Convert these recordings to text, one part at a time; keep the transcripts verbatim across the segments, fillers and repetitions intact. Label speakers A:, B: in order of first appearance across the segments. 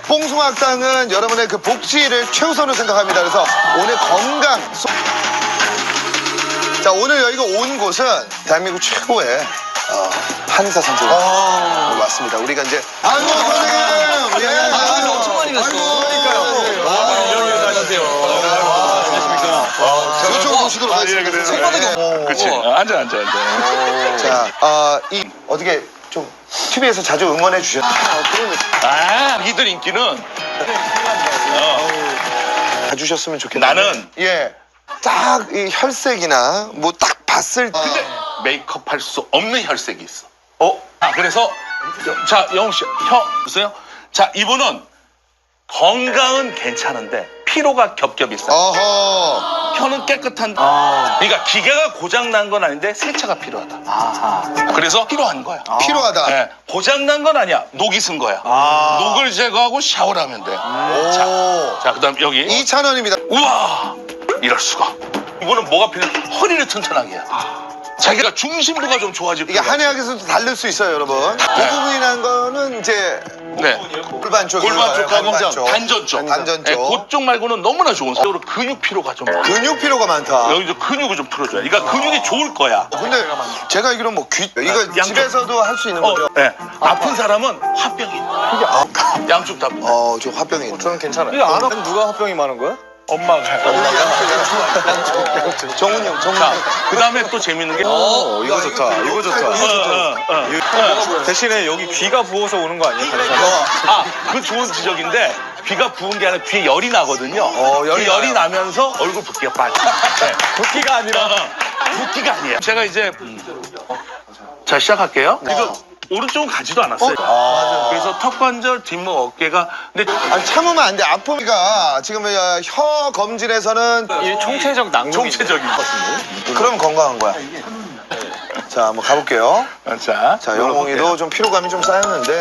A: 뽕숭아학당은 여러분의 그 복지를 최우선으로 생각합니다. 그래서 오늘 건강. 소... 자, 오늘 여기가 온 곳은 대한민국 최고의 어, 한의사 선생님 어... 왔습니다. 우리가 이제 아이고 선생님, 예,
B: 아, 엄청 많이 갔어.
A: 그러니까요. 이쪽으로 오시도록 하겠습니다.
B: 생방송에
C: 그렇지. 앉아, 앉아, 앉아.
A: 자, 어, 이 어떻게 좀 티비에서 자주 응원해 주셨나요?
C: 아, 이들 인기는
A: 봐주셨으면 좋겠는데.
C: 나는
A: 예, 딱 이 혈색이나 뭐 딱 봤을 때
C: 메이크업 할 수 없는 혈색이 있어. 어? 아, 그래서 자, 영웅 씨, 혀 보세요. 자, 이분은 건강은 괜찮은데 피로가 겹겹이 있어.
A: 어허.
C: 혀는 깨끗한. 그러니까 기계가 고장 난 건 아닌데 세차가 필요하다.
B: 아하.
C: 그래서 필요한 거야.
A: 필요하다.
C: 네, 고장 난 건 아니야. 녹이 쓴 거야.
A: 아.
C: 녹을 제거하고 샤워를 하면 돼.
A: 오.
C: 자, 그다음 여기.
A: 이찬 원입니다.
C: 우와, 이럴 수가. 이거는 뭐가 필요해? 허리를 튼튼하게 해야 돼. 자기가 중심부가 좀 좋아질
A: 이게
C: 필요가
A: 한의학에서도 다를 수 있어요, 여러분. 고부분이란 거는 이제
C: 네.
A: 골반 쪽,
C: 골반 쪽하고
A: 골반 쪽.
C: 단전 쪽.
A: 단전
C: 네,
A: 쪽.
C: 그쪽 말고는 너무나 좋은 사람. 근육 피로가 좀 많아.
A: 근육 피로가 많다.
C: 여기 좀 근육을 좀 풀어줘야 돼. 그러니까 근육이 좋을 거야.
A: 근데 제가 알기로는 뭐 귀, 이거
C: 양쪽.
A: 집에서도 할 수 있는
C: 어,
A: 거죠?
C: 네. 아픈 사람은 화병이 있는 거야.
A: 아,
C: 양쪽 다.
A: 어, 저 화병이 있네.
B: 저는 괜찮아요. 안 하면 누가 화병이 많은 거야?
C: 엄마가.
A: 정훈이 형, 정훈이
C: 자,
A: 형.
C: 그 다음에 또 재밌는 게.
B: 어, 이거 좋다. 이거 좋다.
C: 어, 어, 어.
B: 대신에 여기 귀가 부어서 오는 거 아니에요?
C: 아, 그 좋은 지적인데 귀가 부은 게 아니라 귀에 열이 나거든요.
A: 어, 열이
C: 그 열이
A: 나요.
C: 나면서 얼굴 붓기가 빠져. 네.
B: 붓기가 아니라.
C: 붓기가 아니에요. 제가 이제 자 시작할게요. 이거 오른쪽은 가지도 않았어요.
A: 아,
C: 그래서 턱 관절, 뒷목, 어깨가 근데
A: 아니, 참으면 안 돼. 아픔이가 지금 어, 혀 검진에서는
B: 이 총체적 낭독이
C: 총체적인 것.
A: 그럼 건강한 거야. 자, 한번 가볼게요.
C: 자,
A: 자, 영웅이도 좀 피로감이 좀 쌓였는데.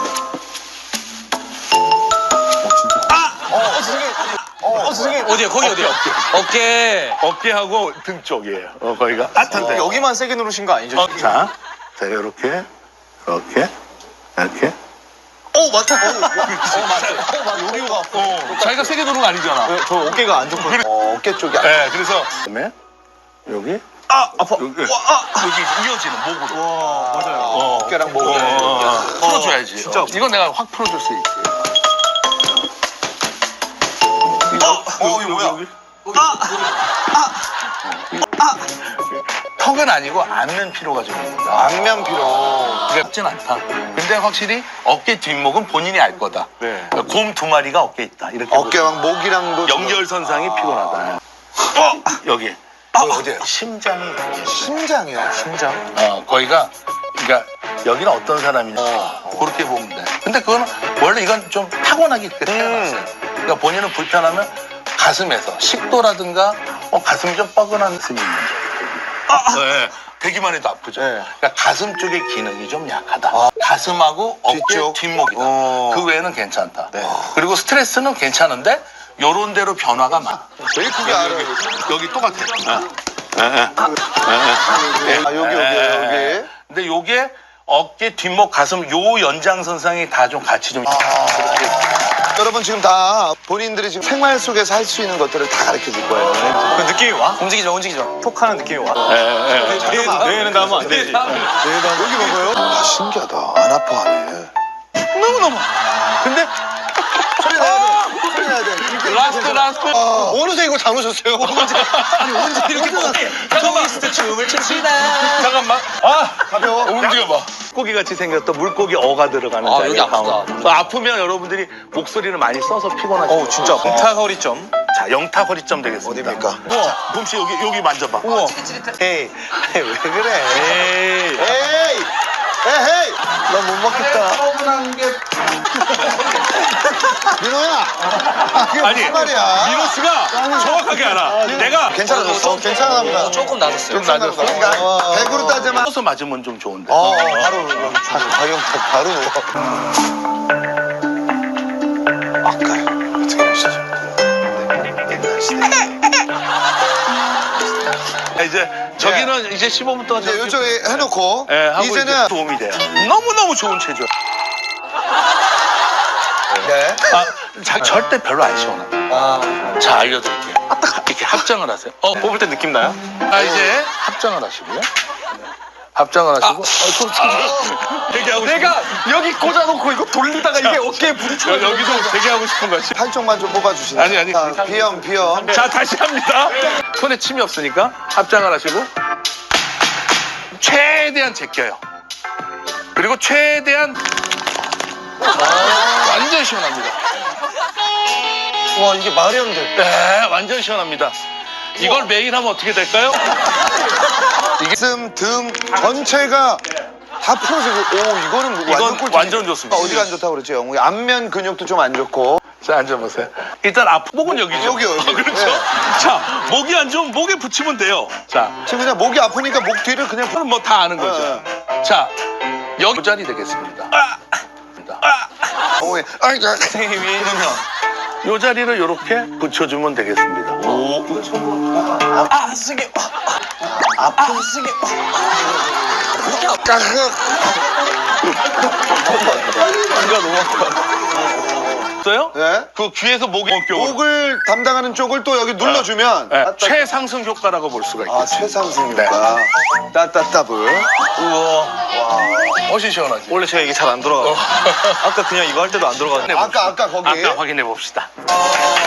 B: 어, 선생님. 어디야? 거기 어디야? 어깨.
C: 어깨하고 등 쪽이에요. 어, 거기가 아탄데.
B: 여기만 세게 누르신 거 아니죠?
C: 어, 자, 자 이렇게, 이렇게, 이렇게.
A: 어, 맞다. 어,
B: 여기가 아파.
C: 어, 자기가 세게 누른 거 아니잖아.
B: 어, 저 어깨가 안 좋거든요.
A: 어, 어깨 쪽이. 아-
C: 네, 그래서 그다음에 여기,
B: 아, 아파.
C: 여기, 여기 이어지는 목으로.
B: 와, 맞아요.
C: 어,
A: 어깨랑 목.
C: 어, 어, 어. 풀어줘야지.
B: 진짜.
C: 어. 이건 내가 확 풀어줄 수 있지.
A: 어, 이거 뭐야?
C: 턱은 아니고 안면 피로가 좀 있다.
A: 안면 피로.
C: 그렇진 않다. 근데 확실히 어깨 뒷목은 본인이 알 거다.
B: 네.
C: 곰 두 마리가 어깨에 있다. 이렇게
A: 어깨랑 목이랑도. 지금-
C: 연결선상이 피곤하다. 어, 여기.
A: 어, 어디에요?
C: 심장이.
A: 심장이요.
B: 심장.
C: 어, 거기가, 그러니까 여기는 어떤 사람이냐. 그렇게 보면 돼. 근데 그거는 원래 이건 좀 타고나기 그렇게 태어났어요. 그러니까 본인은 불편하면 가슴에서 식도라든가 어, 가슴이 좀 뻐근한 가슴이 있는 거. 네. 되기만 해도 아프죠.
A: 네.
C: 그러니까 가슴 쪽의 기능이 좀 약하다. 가슴하고 어깨
A: 뒤쪽?
C: 뒷목이다.
A: 어.
C: 그 외에는 괜찮다. 그리고 스트레스는 괜찮은데 요런 대로 변화가 많아.
A: 되게 크게 알아요.
C: 여기 똑같아.
A: 아, 여기, 여기, 여기.
C: 근데 요게 어깨, 뒷목, 가슴 요 연장선상이 다 좀 같이 좀.
A: 여러분 지금 다 본인들이 지금 생활 속에서 할 수 있는 것들을 다 가르쳐 줄 거예요.
B: 그 느낌이 와? 움직이지 마, 움직이지 마. 톡하는 느낌이 와.
C: 예, 예.
B: 뇌에는 닿으면 안 되지. 뇌에 닿으면.
A: 여기 봐봐요. 아, 신기하다. 안 아파하네.
C: 너무너무. 근데
A: 소리 나야 돼. 소리 나야 돼. 이렇게
C: 라스트, 라스트.
A: 아, 어느새 이거 다 놓으셨어요?
B: 아니, 언제 이렇게 먹게.
C: 잠깐만.
B: 트위스트 춤을 춥시다.
C: 잠깐만. 아,
A: 가벼워.
C: 움직여봐. 물고기 같이 생겼던 물고기 어가 들어가는
B: 아,
C: 자리.
B: 여기 아프다.
C: 또 아프면 여러분들이 목소리를 많이 써서 피곤하죠.
B: 어, 진짜. 영타 허리점.
C: 자, 영타 허리점 되겠습니다.
A: 어디입니까?
C: 우와, 봄씨 여기 여기 만져봐.
B: 우와.
A: 에이, 왜 그래?
C: 에이.
A: 에이! 에헤이!
B: 나 못 먹겠다.
A: 민호야! 아, 그게
C: 아니,
A: 무슨 말이야?
C: 민호 씨가 정확하게 알아. 내가
A: 괜찮아졌어? 괜찮아 보다.
B: 조금 낮았어요.
A: 좀 낮았어. 그러니까 백으로 따지면
C: 써서 맞으면 좀 좋은데.
A: 어, 바로 바로 가격 바로 누워. 아까요. 어떻게 하시죠? 옛날 시대.
C: 이제 저기는 이제 십오 분 동안
A: 이제
C: 저기-
A: 이쪽에 해놓고
C: 예, 하고
A: 이제는
C: 이제 도움이 돼요. 너무너무 좋은 체조.
A: 네.
C: 아, 자, 절대 별로 안 시원합니다.
B: 아.
C: 자, 알려드릴게요. 이렇게 합장을 하세요. 어,
B: 뽑을 때 느낌 나요?
C: 아, 이제 합장을 하시고요. 합장을 하시고. 어, 손, 손, 되게 하고 싶은
B: 내가 여기 꽂아놓고 이거 돌리다가 이게 어깨에 부딪혀.
C: 여- 여기서 되게 하고 싶은 거지.
A: 한쪽만 좀 뽑아주시네.
C: 아니, 아니,
A: 자,
C: 괜찮아요.
A: 비염, 비염.
C: 자, 다시 합니다. 손에 침이 없으니까 합장을 하시고 최대한 제껴요. 그리고 최대한 완전 시원합니다.
B: 와, 이게 말이 안 돼.
C: 네, 완전 시원합니다. 이걸 매일 하면 어떻게 될까요?
A: 가슴, 등 전체가 다 풀어지고, 오, 이거는 뭐 완전
C: 이건
A: 꿀팁.
C: 완전 좋습니다.
A: 어디가 안 좋다고 그랬지, 영웅이? 안면 근육도 좀 안 좋고.
C: 자, 앉아보세요. 일단 앞 목은 여기죠.
A: 여기요, 여기.
C: 어, 그렇죠.
A: 네.
C: 자, 목이 안 좋으면 목에 붙이면 돼요. 자,
A: 지금 그냥 목이 아프니까 목 뒤를 그냥.
C: 그럼 뭐 다 아는 거죠. 자, 여기 이 자리 되겠습니다. 아,
A: 영웅이. 아이, 자.
B: 선생님이 그러면.
C: 이 자리를 이렇게 붙여주면 되겠습니다.
B: 아, 선생님. 아, 아 선생님.
C: 이거 너무 아파. 어요?
A: 네.
C: 그 귀에서 목이 목격으로.
A: 목을 담당하는 쪽을 또 여기 눌러주면.
C: 네, 최상승 효과라고 볼 수가
A: 아,
C: 있겠습니다.
A: 최상승이니까. 따따따블.
B: 우와.
C: 훨씬 시원하지.
B: 원래 제가 이게 잘 안 들어가.
C: 어.
B: 아까 그냥 이거 할 때도 안 들어가는데.
A: 아까, 아까 거기.
C: 아까 확인해 봅시다.